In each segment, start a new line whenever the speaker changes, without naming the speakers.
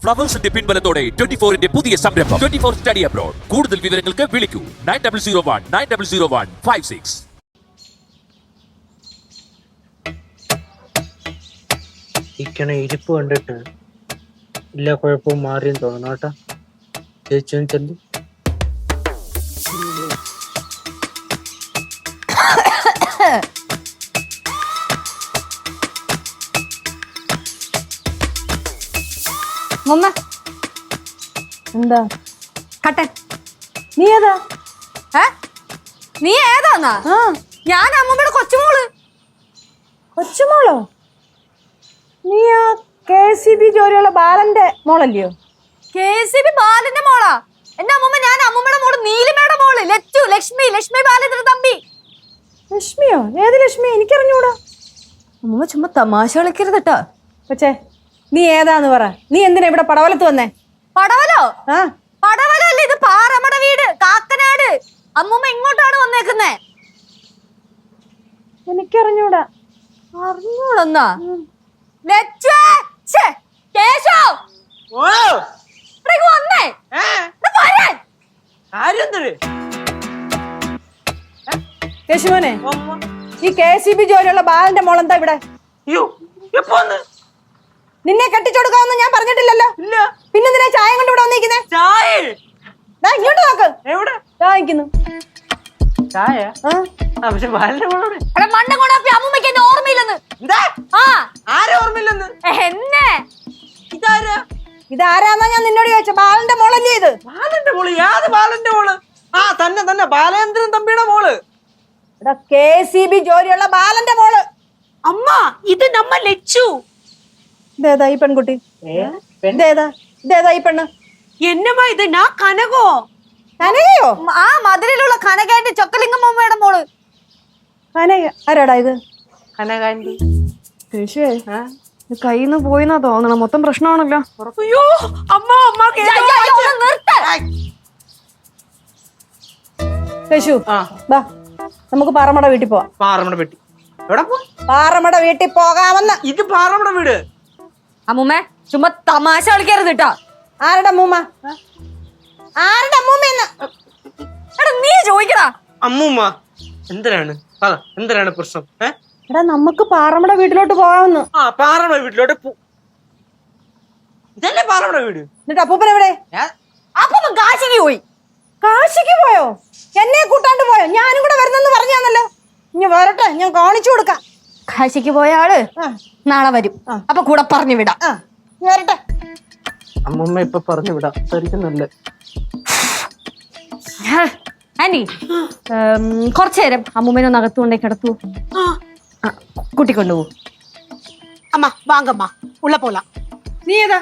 ഫ്ലവേഴ്സിന്റെ പിൻബലത്തോടെ 24-ന്റെ പുതിയ സംരംഭം 24 study abroad. കൂടുതൽ വിവരങ്ങൾക്ക് വിളിക്കൂ 9001900156.
ഇരിക്കണ ഇരിപ്പ് കണ്ടിട്ട് എല്ലാ കുഴപ്പവും മാറിയെന്ന് തോന്നണം കേട്ടോ. ചേച്ചി ചെല്ലു.
മമ്മ
എന്താ
കട്ടൻ
നീ ഏതാ?
നീ ഏതാന്നാ? ഞാൻ അമ്മമ്മയുടെ കൊച്ചുമോള്.
കൊച്ചുമോളോ? നീ ആ KCB ജോലിയുള്ള ബാലന്റെ മോളല്ലയോ?
KCB ബാലന്റെ മോളാ എന്റെ അമ്മമ്മ. ഞാൻ അമ്മമ്മയുടെ മോള് നീലിമയുടെ മോള് ലച്ചു. ലക്ഷ്മി ബാലന്റെ തമ്പി.
ലക്ഷ്മിയോ? ഏത് ലക്ഷ്മി? എനിക്കറിഞ്ഞൂടാ.
അമ്മമ്മ ചുമ്മാ തമാശ കളിക്കരുത് കേട്ടോ.
പക്ഷേ നീ ഏതാന്ന് പറ. നീ എന്തിനാ ഇവിടെ പടവലത്ത് വന്നേ?
പടവലോ?
ആ
പടവലോ അല്ലേ, ഇത് പാറമ്മയുടെ വീട്, കാക്കനാട്. അമ്മമ്മ ഇങ്ങോട്ടാണ് വന്നേക്കുന്നേ.
എനിക്കറിഞ്ഞൂടാ.
അറിഞ്ഞോളന്നാ വന്നേ
കേശുമോനെ, ഈ KCB ജോലിയുള്ള ബാലന്റെ മോളെന്താ ഇവിടെ? നിന്നെ കെട്ടിച്ചോടുക്കാമെന്ന് ഞാൻ പറഞ്ഞിട്ടില്ലല്ലോ. പിന്നെ നിന്നെ ചായ കൊണ്ട് ഇവിടെ വന്നിരിക്കുന്നേ? ഇങ്ങോട്ട് നോക്ക്.
എവിടെ
ചായക്കുന്നു
ചായ? പക്ഷെ ബാലന്റെ മോളോടെ
അമ്മമ്മക്ക് എന്നെ ഓർമ്മയില്ലെന്ന്.
ഓർമ്മയില്ലെന്ന്
എന്നെ
ഇതാരാന്നാ ഞാൻ നിന്നോട് ചോദിച്ച? ബാലന്റെ മോളല്ലേ ഇത്?
ബാലന്റെ മോള്? ഏത് ബാലന്റെ മോള്? തന്നെ ബാലേന്ദ്രൻ തമ്പിയുടെ മോള്.
KCB ജോലിയുള്ള ബാലന്റെ മോള്.
അമ്മ ഇത് നമ്മ ലച്ചു.
ഇതേതാ ഈ പെൺകുട്ടി? ഇതേതാ ഈ പെണ്ണ്?
എന്നമ്മാ ഇത്? ഞാൻ കനകോ.
കനകയോ?
ആ മധുരയിലുള്ള കനകാന്റെ ചൊക്കലിംഗം അമ്മയുടെ മോള്.
കനക ആരാടാ ഇത്?
കനകാന്റി.
കയ്യിന്ന് പോയിന്നാ തോന്നണം. മൊത്തം പ്രശ്നമാണല്ലോ.
അയ്യോ അമ്മ
കേശു, ബാ നമുക്ക് പാറമ്മയുടെ വീട്ടിൽ പോവാം.
പാറമ്മയുടെ വീട്ടിൽ? എവിടെ പോ?
പാറമ്മയുടെ വീട്ടിൽ പോകാമെന്ന്.
ഇത് പാറമ്മയുടെ വീട്?
അമ്മൂമ്മ ചുമ്മാ തമാശ കളിക്കരുത് കേട്ടോ.
ആരുടെ അമ്മൂമ്മ? ആരുടെ അമ്മൂമ്മയെന്ന്
എടാ നീ ചോദിക്കടാ.
അമ്മൂമ്മ എന്തിനാണ് പ്രശ്നം?
എടാ നമുക്ക് പാറമ്മയുടെ വീട്ടിലോട്ട് പോകാമെന്ന്.
പാറമ്മയുടെ വീട്ടിലോട്ട് ഇതല്ലേ പാറമ്മയുടെ വീട്?
എന്നിട്ട് അപ്പൂപ്പൻ എവിടെ?
അപ്പൂപ്പൻ കാശിക്ക് പോയി.
കാശിക്ക് പോയോ? എന്നെ കൂട്ടാണ്ട് പോയോ? ഞാനും കൂടെ വരുന്നെന്ന് പറഞ്ഞാന്നല്ലോ. ഇനി വരട്ടെ, ഞാൻ കാണിച്ചു കൊടുക്കാം.
കാശിക്ക് പോയ ആള് നാളെ വരും. അപ്പൊ കൂടെ പറഞ്ഞു വിടാം.
വരട്ടെ.
അമ്മൂമ്മ ഇപ്പൊ പറഞ്ഞു വിടാം. സരിക്കുന്നല്ലേ
ആന്റി, കുറച്ചു നേരം അമ്മൂമ്മേനെ ഒന്ന് അകത്തുകൊണ്ടേ കിടത്തു. കൂട്ടിക്കൊണ്ടുപോകും.
അമ്മ വാങ്ങമ്മ ഉള്ള പോല.
നീ ഏതാ?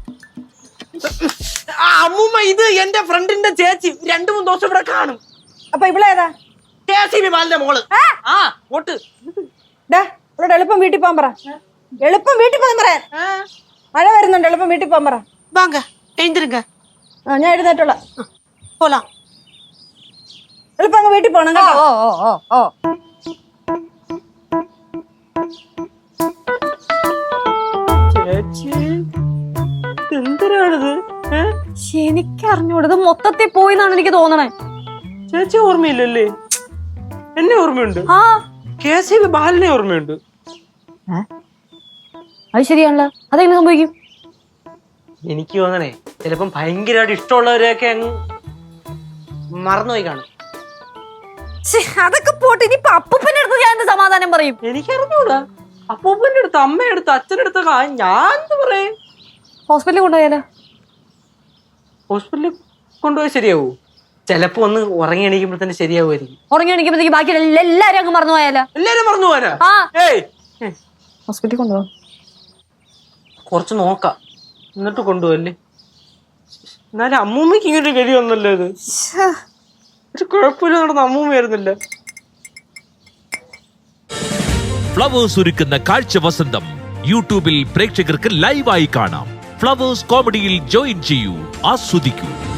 അമ്മൂമ്മ ഇത് എന്റെ ഫ്രണ്ടിന്റെ ചേച്ചി. 2-3 ദിവസം ഇവിടെ കാണും.
അപ്പൊ ഇവളേതാ?
KCB ബാലന്റെ മോള്. ഓട്ട്
ഇവിടെ എളുപ്പം വീട്ടിൽ പോകാൻ പറ. എളുപ്പം വീട്ടിൽ പോകാൻ പറയാൻ. മഴ വരുന്നുണ്ട്. എളുപ്പം വീട്ടിൽ പോകാൻ പറ.
വാങ്ങ എഴുതിരുങ്ക.
ഞാൻ എഴുന്നേറ്റുള്ള
പോലാം.
എളുപ്പം അങ്ങ് വീട്ടിൽ പോകണം കേട്ടോ.
ഓ
ചേച്ചി എന്തിനാണിത്?
എനിക്കറിഞ്ഞൂടത് മൊത്തത്തിൽ പോയിന്നാണ് എനിക്ക് തോന്നണേ.
ചേച്ചി ഓർമ്മയില്ലല്ലേ? എന്നെ ഓർമ്മയുണ്ട്. KCB ബാലനെ ഓർമ്മയുണ്ട്.
അത് ശരിയാണല്ലോ. അതെങ്ങനെ സംഭവിക്കും?
എനിക്ക് തോന്നണേ ചിലപ്പം ഭയങ്കരമായിട്ട് ഇഷ്ടമുള്ളവരെയൊക്കെ അങ്ങ് മറന്നുപോയി കാണും.
അതൊക്കെ പോട്ട്. ഇനിയിപ്പൊ അപ്പൂപ്പന്റെ അടുത്ത് ഞാൻ എന്ത് സമാധാനം പറയും?
എനിക്കറിഞ്ഞൂടാ. അപ്പൂപ്പന്റെ അടുത്ത്, അമ്മയെടുത്ത്, അച്ഛനടുത്ത് ഞാൻ എന്ത് പറയും?
ഹോസ്പിറ്റലിൽ കൊണ്ടുപോയാലോ?
ഹോസ്പിറ്റലിൽ കൊണ്ടുപോയി ശരിയാവൂ? ചിലപ്പോ ഒന്ന് ഉറങ്ങി എണീക്കുമ്പോ തന്നെ ശരിയാവുമായിരിക്കും.
ഉറങ്ങി എണീക്കുമ്പോഴത്തേക്ക് ബാക്കി എല്ലാരും അങ്ങ് മറന്നു പോയാലോ?
എല്ലാരും മറന്നു പോവാനാ?
ഹോസ്പിറ്റലിൽ കൊണ്ടുപോകാം.
കുറച്ച് നോക്കാം, എന്നിട്ട് കൊണ്ടുപോകല്ലേ. എന്നാലും അമ്മൂമ്മക്ക് ഇങ്ങനൊരു ഗതി വന്നല്ലോ. ഇത് ഒരു കുഴപ്പമില്ല, നടന്ന അമ്മൂമ്മയായിരുന്നില്ല.
ഫ്ലവേഴ്സ് ഒരുക്കുന്ന കാഴ്ച വസന്തം യൂട്യൂബിൽ പ്രേക്ഷകർക്ക് ലൈവായി കാണാം. ഫ്ലവേഴ്സ് കോമഡിയിൽ ജോയിൻ ചെയ്യൂ, ആസ്വദിക്കൂ.